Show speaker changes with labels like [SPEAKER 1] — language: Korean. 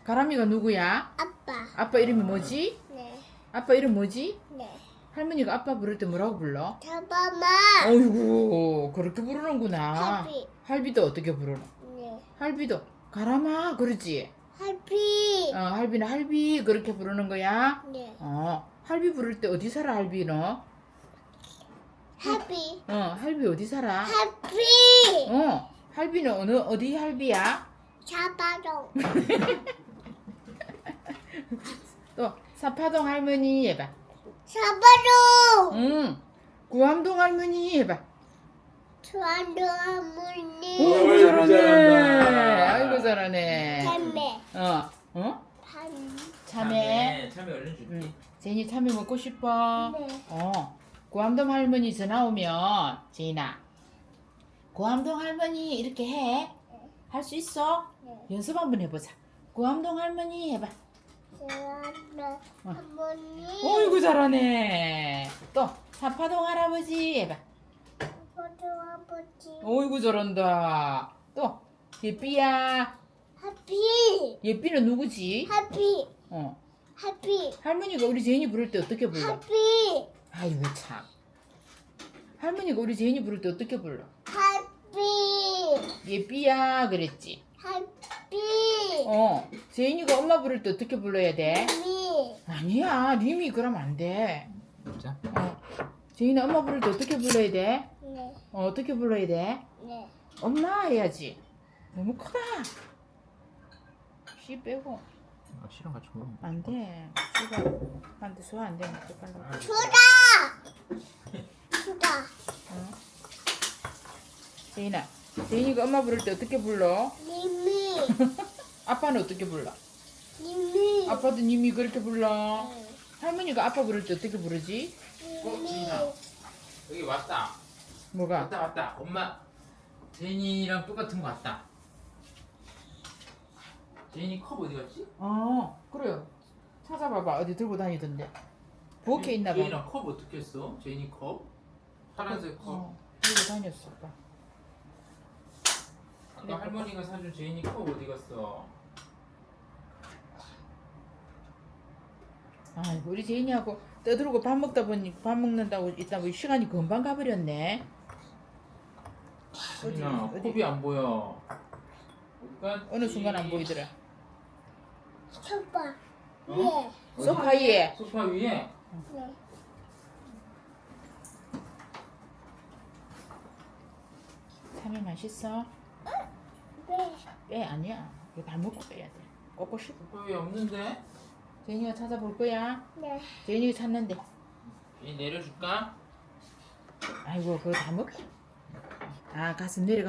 [SPEAKER 1] 가람이가 누구야?
[SPEAKER 2] 아빠.
[SPEAKER 1] 아빠 이름이 뭐지?
[SPEAKER 2] 네.
[SPEAKER 1] 아빠 이름 뭐지?
[SPEAKER 2] 네.
[SPEAKER 1] 할머니가 아빠 부를 때 뭐라고 불러?
[SPEAKER 2] 잡아마.
[SPEAKER 1] 어이구 그렇게 부르는구나.
[SPEAKER 2] 할비.
[SPEAKER 1] 할비도 어떻게 부르노?
[SPEAKER 2] 네.
[SPEAKER 1] 할비도 가람아 그러지?
[SPEAKER 2] 할비.
[SPEAKER 1] 할비는 할비 그렇게 부르는 거야?
[SPEAKER 2] 네.
[SPEAKER 1] 할비 부를 때 어디 살아 할비 너?
[SPEAKER 2] 할비.
[SPEAKER 1] 할비 어디 살아?
[SPEAKER 2] 할비.
[SPEAKER 1] 할비는 어디 할비야?
[SPEAKER 2] 잡아줘.
[SPEAKER 1] 또 사파동 할머니 해봐.
[SPEAKER 2] 잡아줘.
[SPEAKER 1] 구암동 할머니 해봐.
[SPEAKER 2] 좋아하는 어머니.
[SPEAKER 1] 아이고 잘하네.
[SPEAKER 3] 잘한다.
[SPEAKER 1] 아이고 잘하네.
[SPEAKER 2] 참매. 반.
[SPEAKER 1] 참외.
[SPEAKER 3] 참외 얼른 줄게.
[SPEAKER 1] 제인이 참외 먹고 싶어.
[SPEAKER 2] 네.
[SPEAKER 1] 구암동 할머니 전화 오면 제인아 구암동 할머니 이렇게 해. 할 수 있어?
[SPEAKER 2] 네.
[SPEAKER 1] 연습 한번 해보자. 구암동 할머니 해봐.
[SPEAKER 2] 좋아하는 어머니.
[SPEAKER 1] 어이구 잘하네. 또 사파동 할아버지 해봐.
[SPEAKER 2] 아빠도 아버지.
[SPEAKER 1] 어이구 잘한다. 또 예삐야.
[SPEAKER 2] 하피.
[SPEAKER 1] 예삐는 누구지?
[SPEAKER 2] 하피.
[SPEAKER 1] 어.
[SPEAKER 2] 하피.
[SPEAKER 1] 할머니가 우리 제인이 부를 때 어떻게 불러?
[SPEAKER 2] 하피.
[SPEAKER 1] 아이고 참. 할머니가 우리 제인이 부를 때 어떻게 불러?
[SPEAKER 2] 하피.
[SPEAKER 1] 예삐야 그랬지.
[SPEAKER 2] 하피.
[SPEAKER 1] 제인이가 엄마 부를 때 어떻게 불러야 돼?
[SPEAKER 2] 미.
[SPEAKER 1] 아니야 님이 그러면 안 돼.
[SPEAKER 3] 자.
[SPEAKER 1] 제인아 엄마 부를 때 어떻게 불러야 돼?
[SPEAKER 2] 네.
[SPEAKER 1] 어떻게 불러야 돼?
[SPEAKER 2] 네.
[SPEAKER 1] 엄마 해야지. 너무 크다. 씨 빼고
[SPEAKER 3] 씨랑 같이 먹어.
[SPEAKER 1] 안 돼. 씨가 한테 소화 안 되면 어떡하려고.
[SPEAKER 2] 주다. 주다.
[SPEAKER 1] 제인아 제인이가 엄마 부를 때 어떻게 불러?
[SPEAKER 2] 님이.
[SPEAKER 1] 아빠는 어떻게 불러?
[SPEAKER 2] 님이.
[SPEAKER 1] 아빠도 님이 그렇게 불러. 할머니가 아빠 부를 때 어떻게 부르지?
[SPEAKER 3] 지인아. 여기 왔다.
[SPEAKER 1] 뭐가?
[SPEAKER 3] 왔다. 엄마. 제인이랑 똑같은 거 왔다. 제인이 컵 어디 갔지?
[SPEAKER 1] 그래요. 찾아봐봐. 어디 들고 다니던데. 부엌에 있나 봐.
[SPEAKER 3] 제인아 컵 어떻게 했어? 제인이 컵? 파란색 컵.
[SPEAKER 1] 들고 다녔어. 봐.
[SPEAKER 3] 아까 할머니가 사준 제인이 컵 어디 갔어?
[SPEAKER 1] 우리 제인이하고 떠들고 밥 먹다 보니 밥 먹는다고 있다 보니 시간이 금방 가버렸네.
[SPEAKER 3] 제인아
[SPEAKER 1] 어디?
[SPEAKER 3] 컵이 안 보여.
[SPEAKER 1] 어느 순간 안 보이더라.
[SPEAKER 2] 소파.
[SPEAKER 3] 어?
[SPEAKER 2] 예.
[SPEAKER 1] 소파 위에.
[SPEAKER 3] 소파 위에?
[SPEAKER 2] 네.
[SPEAKER 1] 참외 맛있어?
[SPEAKER 2] 네.
[SPEAKER 1] 빼 아니야. 이거 다 먹고 빼야 돼. 꺾고 싶어.
[SPEAKER 3] 소파 위에 없는데?
[SPEAKER 1] 제인이가 찾아볼 거야.
[SPEAKER 2] 네.
[SPEAKER 1] 제인이가 찾는데.
[SPEAKER 3] 제인 내려줄까?
[SPEAKER 1] 아이고 그거 다 먹고. 가슴 내려가.